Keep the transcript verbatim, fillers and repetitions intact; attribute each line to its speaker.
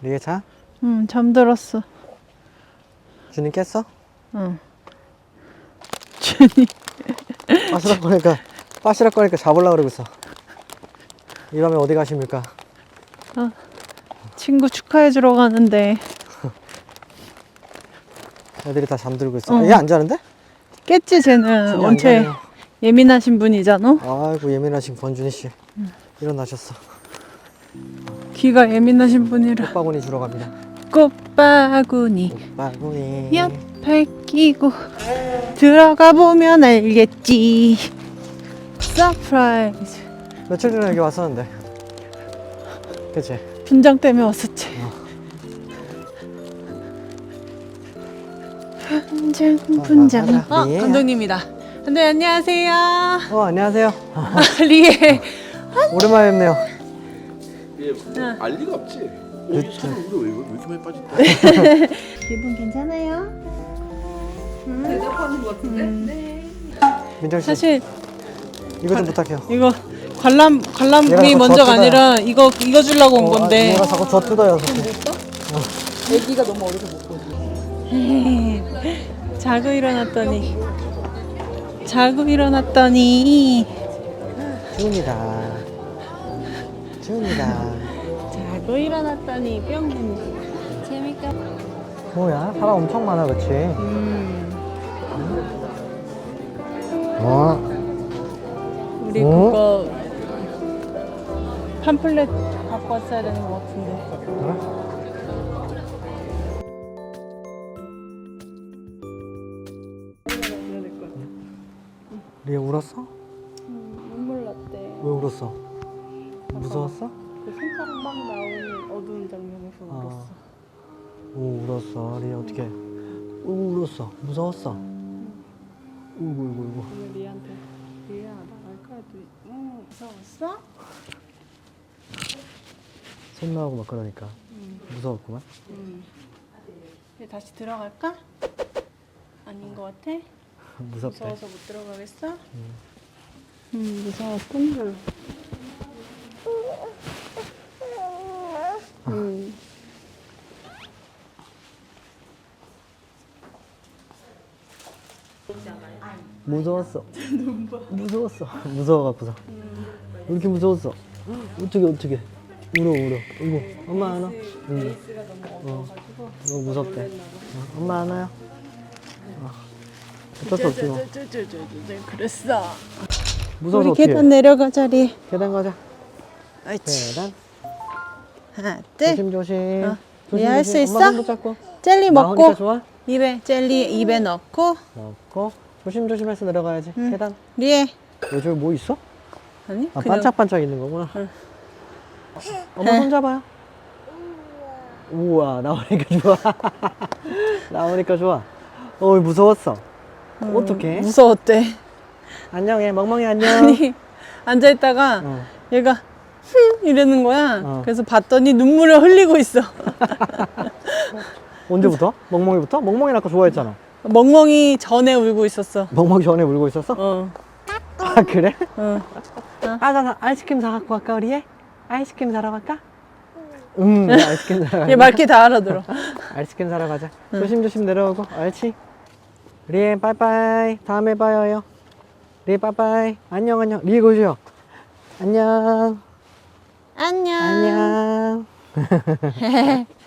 Speaker 1: 리에 자?
Speaker 2: 응, 잠들었어.
Speaker 1: 준이 깼어?
Speaker 2: 응. 준이.
Speaker 1: 빠시락거리니까 빠시락거리니까 잡으려고 그러고 있어. 이 밤에 어디 가십니까?
Speaker 2: 어, 친구 축하해주러 가는데.
Speaker 1: 애들이 다 잠들고 있어.
Speaker 2: 어.
Speaker 1: 얘 안 자는데?
Speaker 2: 깼지, 쟤는.
Speaker 1: 준이 안
Speaker 2: 엄청
Speaker 1: 자네요.
Speaker 2: 예민하신 분이잖아.
Speaker 1: 아이고 예민하신 권준희 씨. 일어나셨어.
Speaker 2: 귀가 예민하신 분이라.
Speaker 1: 꽃바구니 주러 갑니다.
Speaker 2: 꽃바구니
Speaker 1: 꽃바구니.
Speaker 2: 옆에 끼고 들어가 보면 알겠지. 서프라이즈.
Speaker 1: 며칠 전에 여기 왔었는데. 그치?
Speaker 2: 분장 때문에 왔었지. 분장 분장.
Speaker 1: 아,
Speaker 2: 어,
Speaker 1: 리에야.
Speaker 2: 감독님이다. 감독님 안녕하세요.
Speaker 1: 어 안녕하세요.
Speaker 2: 리에.
Speaker 1: 오랜만에 뵙네요.
Speaker 3: 얘 알 리가 없지.
Speaker 1: 그쵸.
Speaker 3: 어, 차는 우리 왜, 왜 이렇게 많이 빠졌다.
Speaker 2: 기분 괜찮아요?
Speaker 4: 대답하는 것 같은데? 네.
Speaker 1: 민정 씨
Speaker 2: 사실
Speaker 1: 이거 좀 부탁해요.
Speaker 2: 이거 관람
Speaker 1: 얘가
Speaker 2: 관람이
Speaker 1: 자꾸
Speaker 2: 먼저가
Speaker 1: 저
Speaker 2: 아니라 이거 이거 주려고 온
Speaker 1: 어,
Speaker 2: 건데.
Speaker 1: 아, 얘가 자꾸 저 뜯어요. 자꾸.
Speaker 4: 애기가 너무 어려서 못 보지.
Speaker 2: 자고 일어났더니 자고 일어났더니
Speaker 1: 준이다. 준이다.
Speaker 2: 자고 일어났더니 뿅. 재밌다.
Speaker 1: 뭐야? 사람 엄청 많아, 그치?
Speaker 2: 음.
Speaker 1: 어?
Speaker 2: 우리
Speaker 1: 어?
Speaker 2: 그거 팜플렛 갖고 왔어야 되는 것 같은데.
Speaker 1: 그래? 리에 울었어?
Speaker 2: 눈물 났대.
Speaker 1: 왜 울었어? 무서웠어?
Speaker 2: 그 손가락 막 나오는 어두운 장면에서
Speaker 1: 아.
Speaker 2: 울었어.
Speaker 1: 오 울었어. 리에 어떻게? 오 울었어. 무서웠어. 울고 울고 울고.
Speaker 2: 오늘 리한테 리야 나갈까 했더니 응 무서웠어?
Speaker 1: 손 나오고 막 그러니까 무서웠구만.
Speaker 2: 응. 이제 다시 들어갈까? 아닌 것 같아?
Speaker 1: 무섭대.
Speaker 2: 무서워서 못 들어가겠어? 응 무서웠구나. 응.
Speaker 1: 무서웠어. 무서웠어. 무서워갖고서. 왜 이렇게 무서웠어? 어떻게 어떻게? 울어 울어. 울고. 엄마 안아? 응. 어. 너무 무섭대. 어, 엄마 안아요? 어. 어쩔 수 없지 뭐.
Speaker 2: 그랬어.
Speaker 1: 무서워서
Speaker 2: 우리
Speaker 1: 어떻게
Speaker 2: 계단 내려가자 리.
Speaker 1: 계단 가자.
Speaker 2: 옳지.
Speaker 1: 계단.
Speaker 2: 하나 둘.
Speaker 1: 조심 조심.
Speaker 2: 어.
Speaker 1: 조심,
Speaker 2: 리아 할수
Speaker 1: 조심.
Speaker 2: 있어?
Speaker 1: 엄마 손도 잡고.
Speaker 2: 젤리
Speaker 1: 나오니까
Speaker 2: 먹고
Speaker 1: 좋아?
Speaker 2: 입에 젤리 입에 넣고
Speaker 1: 넣고 조심 조심해서 내려가야지.
Speaker 2: 응.
Speaker 1: 계단.
Speaker 2: 리에
Speaker 1: 왜 저기 뭐 있어?
Speaker 2: 아니
Speaker 1: 아,
Speaker 2: 그냥
Speaker 1: 반짝반짝 있는 거구나.
Speaker 2: 응.
Speaker 1: 엄마 손 잡아요. 우와, 나오니까 좋아. 나오니까 좋아. 어이, 무서웠어.
Speaker 2: 음,
Speaker 1: 어떡해?
Speaker 2: 무서웠대.
Speaker 1: 안녕해, 멍멍이 안녕.
Speaker 2: 아니 앉아 있다가
Speaker 1: 어.
Speaker 2: 얘가 흠 이러는 거야.
Speaker 1: 어.
Speaker 2: 그래서 봤더니 눈물을 흘리고 있어.
Speaker 1: 언제부터? 멍멍이부터? 멍멍이는 아까 좋아했잖아.
Speaker 2: 멍멍이 전에 울고 있었어.
Speaker 1: 멍멍이 전에 울고 있었어?
Speaker 2: 어.
Speaker 1: 아, 그래?
Speaker 2: 어.
Speaker 1: 아, 나, 나 아이스크림 사갖고 갈까, 우리 애? 아이스크림 사러 갈까? 응, 네, 아이스크림 사러 가자.
Speaker 2: 얘 말귀 다 알아들어.
Speaker 1: 아이스크림 사러 가자. 조심조심 내려오고, 알지? 리에, 빠이빠이. 다음에 봐요. 리에, 빠이빠이. 안녕, 안녕. 리에, 고시요. 안녕.
Speaker 2: 안녕.
Speaker 1: 안녕.